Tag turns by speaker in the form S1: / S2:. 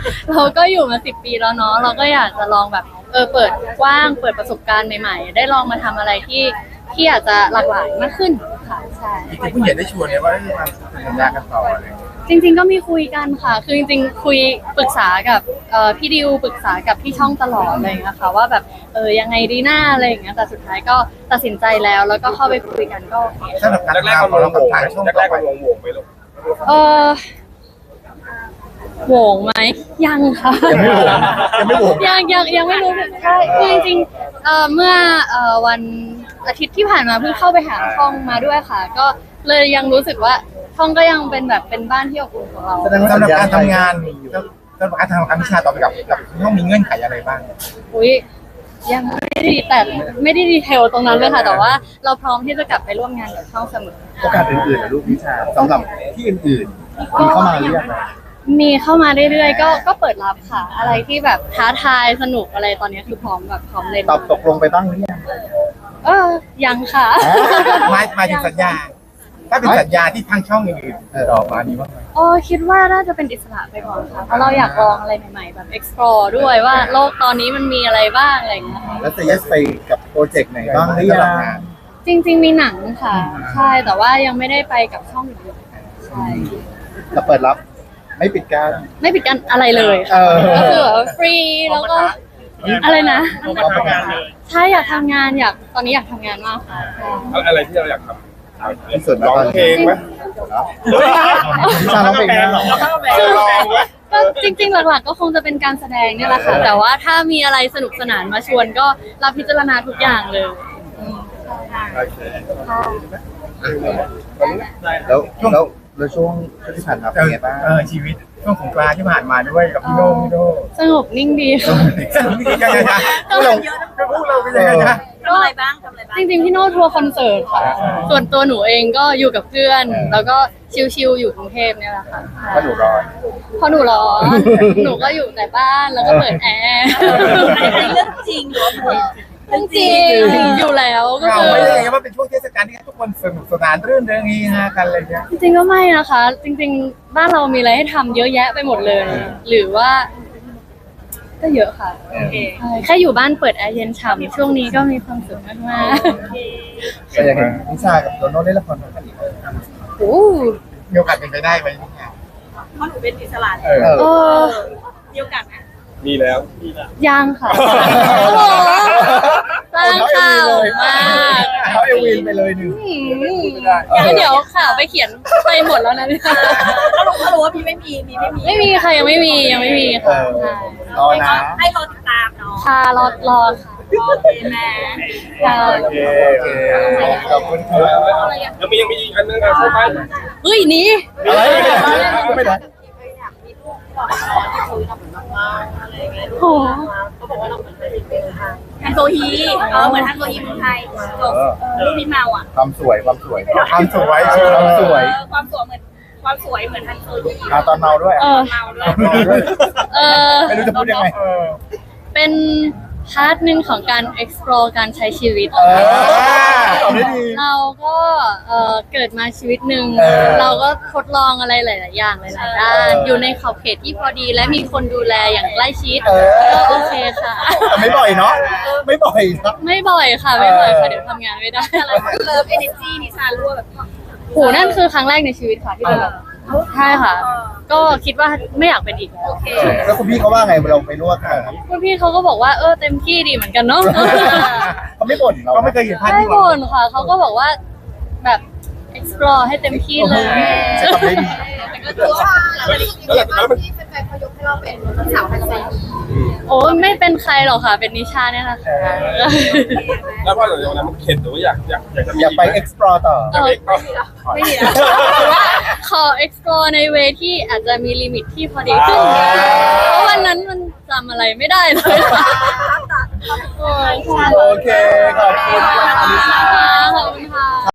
S1: เราก็อยู่มา10 ปีแล้วเนาะเราก็อยากจะลองแบบเปิดกว้างเปิดประสบการณ์ใหม่ๆได้ลองมาทำอะไรที่อาจจะหลากหลายมากขึ้นค่ะใช่
S2: จริงๆผู้ใหญ่ได้ชวนเนี่ยว่าให้มาสัญญากันต่ออะไรอย่างเงี้ย
S1: จริงๆก็มีคุยกันค่ะคือจริงๆคุยปรึกษากับพี่ดิวปรึกษากับพี่ช่องตลอดอะไรอย่างเงี้ยค่ะว่าแบบยังไงดีหน้าอะไรอย่างเงี้ยแต่สุดท้ายก็ตัดสินใจแล้วก็เข้าไปคุยกันก็โอเค
S2: สำหรับการ
S3: แรกๆ
S2: ทำ
S3: มัน
S2: เรา
S3: โห
S2: กับ
S3: วง
S2: ทางช่อง
S3: แร
S2: ต่อก
S3: ๆ
S2: ไป
S3: มันโหวงไปลูก
S1: เออโหวงไหมยังค่ะ
S2: ยังไม่โหวง
S1: ยังไม่รู้ใช่คือจริงๆเมื่อวันอาทิตย์ที่ผ่านมาเพิ่งเข้าไปหาช่องมาด้วยค่ะ ก็เลยยังรู้สึกว่าช่องก็ยังเป็นแบบเป็นบ้านที่อบอุ่นของเรา
S2: สำหรับการทำงานสำหรับการทำวิชาต่อไปกับช่องมีเงื่อนไขอะไรบ้าง
S1: อุ้ยยังไม่ได้แต่ไม่ได้ดีเทลตรงนั้นเลยค่ะแต่ว่าเราพร้อมที่จะกลับไปร่วมงานกับช่องเสมอ
S4: โอกาสอื่นๆนะลูกวิชาสำหรับที่อื่นๆมีเข้ามาหรือยัง
S1: มีเข้ามาเรื่อยๆก็เปิดรับค่ะ อะไรที่แบบท้าทายสนุกอะไรตอนนี้คือพร้อมแบบพร้อมเล่น
S4: ตอบตกลงไปบ้างหรือยัง
S1: ยังค่ะ
S2: หมายถึงสัญญา ถ้าเป็นสัญญาที่ทางช่องอื่นๆต่อมานี้ว่า
S1: คิดว่าน่าจะเป็นอิสระไปก่อนค่ะเพราะเราอยากลองอะไรใหม่ๆแบบ explore ด้วยว่าโลกตอนนี้มันมีอะไรบ้างอะไรอย่างเงี้ยค่ะ
S4: แล้วจะยัดไปกับโปรเจกต์ไหนบ้างหรือยัง
S1: จริงๆมีหนังค่ะ ใช่แต่ว่ายังไม่ได้ไปกับช่องอื่นๆใช่
S4: จะเปิดรับไม่ปิดการ
S1: ไม่ปิดกันอะไรเลยค่ะก็คือแบบฟรีแล้วก็อะไรนะ
S4: เราทำงานเลย
S1: ใช่อยากทำงานตอนนี้อยากทำงานมากค่ะใช่
S3: อะไรที่เราอยากทำ
S4: ที่สุด
S3: ร้องเพลงไหม
S4: วิชาร้องเพลงแน่นอน
S3: ลองไหม
S1: ก็จริงๆหลักๆก็คงจะเป็นการแสดงเนี่ยแหละค่ะแต่ว่าถ้ามีอะไรสนุกสนานมาชวนก็รับพิจารณาทุกอย่างเลยค่ะ
S3: โอเค
S4: แล้วช่วงที่ผ่านมาเป็นไงบ้าง
S2: ชีวิตช่วงสงกรานต์ที่ผ่านมาด้วยกับพี่โน่
S1: สงบนิ่งดีค่ะ
S2: พวกเราเป็นยังไงนะ
S5: ทำอะไรบ้าง
S1: จริงๆพี่โน้ทัวร์คอนเสิร์ตค่ะ ส่วนตัวหนูเองก็อยู่กับเพื่อน แล้วก็ชิลๆอยู่กรุงเทพเนี่ยแหละค่ะ
S4: ก็หนูร้อน
S1: พอหนูร้อนหนูก็อยู่แต่บ้านแล้วก็เปิดแอร์
S5: อันนี้เรื่องจริงหรือว่าพูด
S1: จริงๆอยู่แล้วก็
S2: เรา
S1: คือ
S2: ไม่ได้ยังว่าเป็นช่วงเทศกาลที่ทุกคนสนุกสนานรื่นเริงเฮฮากันอะไรเงี้ย
S1: จริงๆก็ไม่นะคะ จริงๆบ้านเรามีอะไรให้ทำเยอะแยะไปหมดเลย หรือว่า ก็เยอะค่ะใช่แค่อยู่บ้านเปิดแอร์เย็นฉ่ำช่วงนี้ก็มีความสุขมาก
S4: ก็ยังเห็นวิชากับโดโน่เล่นละครด้วยกันอีก
S1: ๆโอ้
S2: มีโอกาสเป็นไปได้ไหมเนี่ย
S5: เพราะหนูเป็นอิสระ
S4: เออ
S1: เออ
S5: มีโอกาสไหม
S3: มีแล้ว
S1: ยังค่ะโอ้โหสร้างข่าวมาก
S4: เขาเอวินไปเลยหนึ่ง
S1: เดี๋ยวข่าวไปเขียนไปหมดแล้วนะเนี่ย
S5: ก็รู้ว่าพี่ไม่มี
S1: ไม่มีค่ะยังไม่มีค่ะใช่
S4: รอนะ
S5: ให้รอติดตามเนาะ
S1: ค่ะรอค่ะ
S5: โอเคแม่
S1: ค่ะ
S4: โอเคขอบคุณครับ
S3: ยังมีอีกอันนึงครับใช่ไหม
S1: เฮ้ยหนี่
S4: อะไรไม่ได้
S1: โห
S5: ฮันโซฮีเหมือนฮันโซฮีเมืองไทยจบรูปพี่เมาอ่ะ
S4: ความสวย
S2: ความสวย
S4: ความสวย
S5: ความสวยเหมือนฮันโซฮี
S4: ตอนเมาด้วย
S5: เมาด้วย
S4: ไม่รู้จะพูดยังไง
S1: เป็นพาร์ทหนึ่งของการ explore การใช้ชีวิต
S4: ตอบได้ดี
S1: เราก็เกิดมาชีวิตหนึ่งเราก็ทดลองอะไรหลาย ๆ อย่างหลาย ๆ ด้าน อยู่ในขอบเขตที่พอดีและมีคนดูแลอย่างใกล้ชิดก็โอเคค่ะ
S4: แต่ไม่บ่อยเนาะไม่บ่อยนะ
S1: ไม่บ่อยค่ะเดี๋ยวทำงานไม่ได้
S5: อะไรเลิฟเอเนจีนิชารั่วแบบ
S1: โหนั่นคือครั้งแรกในชีวิตค่ะที่เป็นแบบใช่ค่ะ ก็คิดว่าไม่อยากเป็นอีกแล้ว
S4: แล้วคุณพี่เขาว่าไงเราไปนวดกัน
S1: คุณพี่เขาก็บอกว่าเต็มที่ดีเหมือนกันเนาะ
S4: เขาไม่บ่นเรา
S2: ก็ไม่เคยเห็นภาพ
S1: ไม่
S2: ที่
S1: บ่นค่ะเขาก็บอกว่าแบบ explore ให้เต็มที่เลย
S4: ใช้คำได้ดี
S3: แล้วมัน
S1: โอ้ไม่เป็นใครหรอกค่ะ เป็นนิชาเนี่ยแหละค่ะ
S3: แล้วพอหลังจากนั้นมันเข็ดหรือว่าอยากจะมี
S4: อยากไป explore ต่อ
S1: ไม่ดีนะหรือว่าขอ explore ในเวที่อาจจะมีลิมิตที่พอดีขึ้นเพราะวันนั้นมันจำอะไรไม่ได้เลยค่ะโอ้ย
S4: โอเค ขอบคุณ
S1: ขอบคุณ